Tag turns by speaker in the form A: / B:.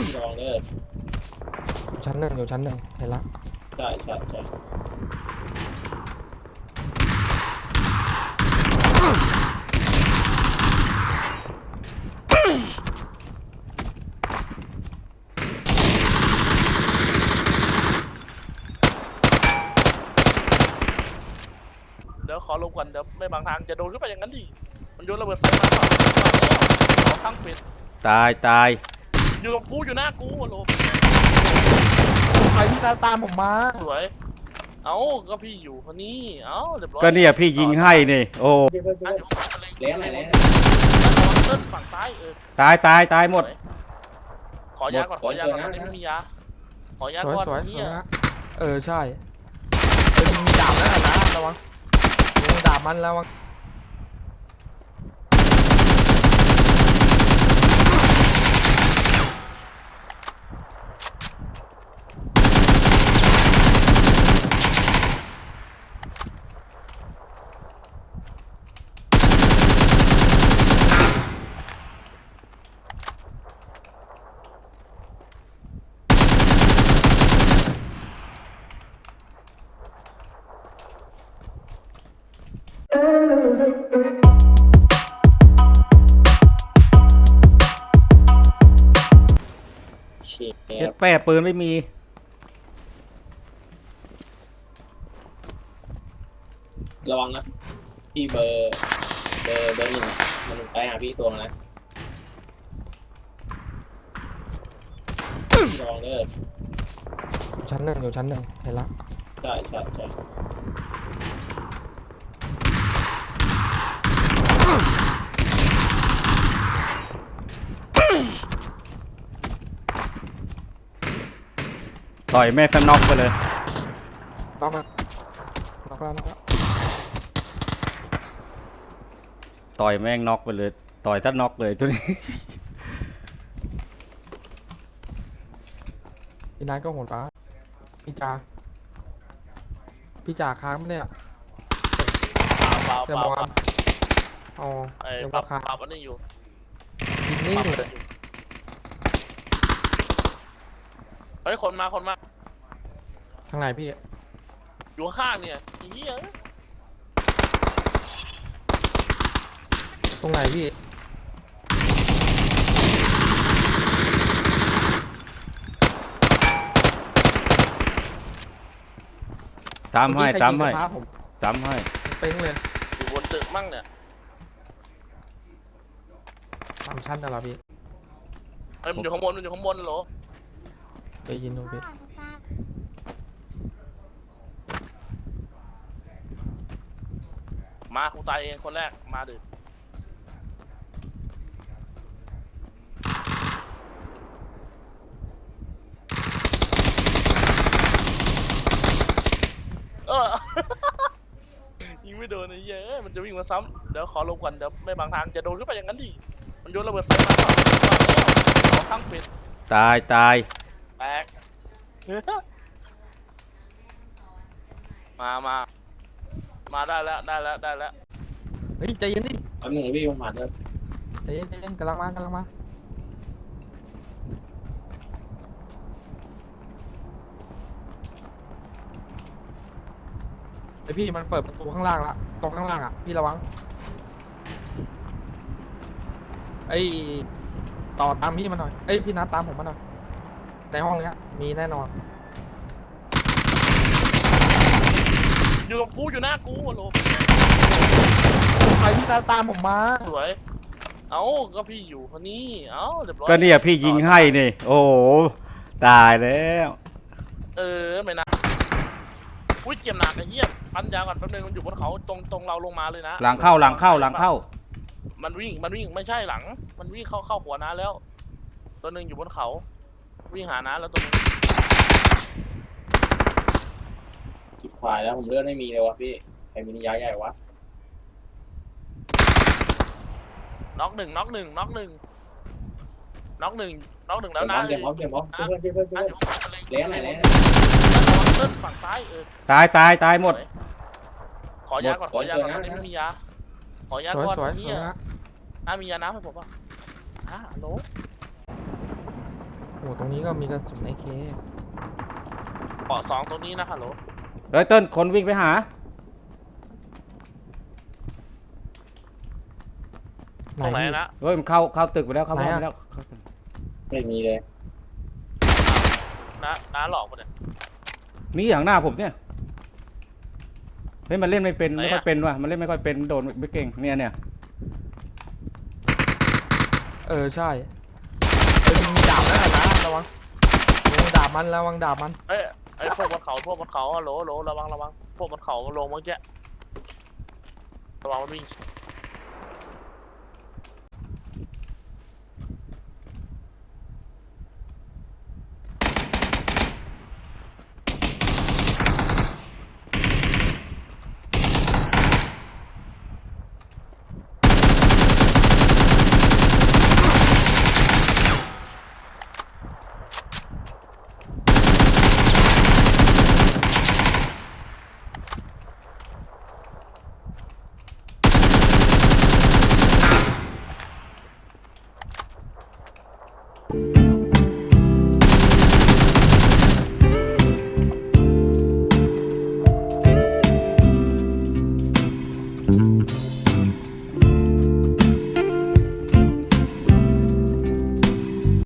A: ลองเด้อ
B: ชั้นหนึ่งอยู่ชั้นหนึ่งเห็นละ
A: ใช่ใช่ใช่
C: เดี๋ยวขอลงก่อนเดี๋ยวไม่บางทางจะโดนขึ้นไปอย่างนั้นดิมันโยนระเบิดไฟมาขอทั้งปิด
D: ตายตาย
C: อยู่กับกูอยู่หน้ากูโล
B: ใครที่ตามผมมา
C: สวยเอ้าก็พี่อยู่คนนี้เอ้าเรียบร้อย
D: ก็เนี่ยพี่ยิงให้นี่โอ้
A: แล้วไหนแล้ว
C: เส้นฝั่งซ้าย
D: ตายตายตายหมด
C: ขอยาก่อนขอยาก่อนตอนนี้ไม่มียาขอยาก่อน
B: นี่ใช่มีดาบแล้วนะระวังมีดาบมันแล้ววัง
D: เจ็ดแปะปืนไม่มี
A: ระวังนะพี่เบอร์หนึ่งมันไปหาพี่ตัวนะลองเด้อ
B: ชั้นหนึ่งอยู่ชั้นหนึ่งเห็นละ
A: ใช่ใช่ใช่
D: ต่อยแม่สน็อกไปเลย
B: ล็อกแล้ว
D: ต่อยแม่งน็อกไปเลยต่อยถ้าน็อกเลยตัวนี้
B: พี่นายก็โหดฟ้าพี่จ่าค้างไม่ได้
C: เปล่า
B: อ๋อ
C: ปรับอันนี้อยู่
B: นี่เลย
C: เฮ้ยคนมา
B: ทางไหนพี่
C: อยู่ข้างเนี่ยเหี้ย
B: ตรงไหนพี่
D: ซ้ำให้
B: เป้งเลย
C: อยู่บนตึกมั่งเนี่ย
B: 3 ชั้นนะล่ะพี่
C: เฮ้ยมันอยู่ข้างบนเหรอ
B: ได้ยินดูพี่
C: มากูตายเองคนแรกมาดิยิงไม่โดนไอ้เหี้ยมันจะวิ่งมาซ้ำเดี๋ยวขอลงก่อนเดี๋ยวไม่บางทางจะโดนขึ้นไปอย่างนั้นดิมันโยนระเบิดไฟมาขอทั้งปิด
D: ตายตาย
C: แตกมาได้แล้ว
B: เฮ้ยใจเย็นดิ
A: อันหนึ่งพี่ผมผ่านเลย
B: ใจเย็นกำลังมาไอพี่มันเปิดประตูข้างล่างละตรงข้างล่างอ่ะพี่ระวังไอต่อตามพี่มาหน่อยไอพี่นัดตามผมมาหน่อยในห้องนี้มีแน่นอน
C: อยู่กับกูอยู่หน้ากูโล
B: ใครที่ตามผมมา
C: สวยเอ้าก็พี่อยู่คนนี้เอ้าเรียบร้อย
D: ก็เนี่ยพี่ยิงให้นี่โอ้ตายแล้ว
C: ไม่นะอุ้ยเจ็บหนักไอ้เหี้ยพันยาก่อนแป๊บนึงมันอยู่บนเขาตรงเราลงมาเลยนะ
D: หลังเข้า
C: มันวิ่งไม่ใช่หลังมันวิ่งเข้าหัวน้าแล้วตัวหนึ่งอยู่บนเขาวิ่งหาน้าแล้วตัวนึง
A: จิบควายแล้วผมเลือดไม่มีเลยวะพี่ใครมีนิยายใหญ่วะ
C: น็อกหนึ่งแล้วนะ
A: เดี๋ยวมองช่วยแล้วไหนแล้ว
C: เส้นฝั่งซ้าย
D: ตายหมด
C: ขอยาก่อนตอนนี้ไม่มียาขอยาก่อนนี่มียาน้ำให้ผมป่ะโหล
B: อ้ตรงนี้ก็มีกระสุนไอเค
C: เกาะ2ตรงนี้นะฮัลโหล
D: เฮ้ยเติ้ลคนวิ่งไปหา
C: ตรงไหน
B: พี่
C: นะ
D: เฮ้ยมันเข้าตึกไปแล้วเข้าบ้าน
B: ไหน
D: ไป
B: อะ
D: แล้วเข้าตึก
A: ไม่มีเลย
C: น้าหลอกปะเนี่ย
D: นี่อย่างหน้าผมเนี่ยเฮ้ยมันเล่นไม่เป็น
C: ไหนอะ
D: ไม่ค่อยเป็นว่ะมันเล่นไม่ค่อยเป็นโดนไม่เก่งเนี่ย
B: ใช่เอ้ยมีดาบแล้วนะระวังดาบมันระวังดาบมัน
C: เอ้ยไอ้พวกบนเขาฮัลโหลฮัลโหลระวังพวกบนเขาลงเมื่อกี้ระวังมันวิ่ง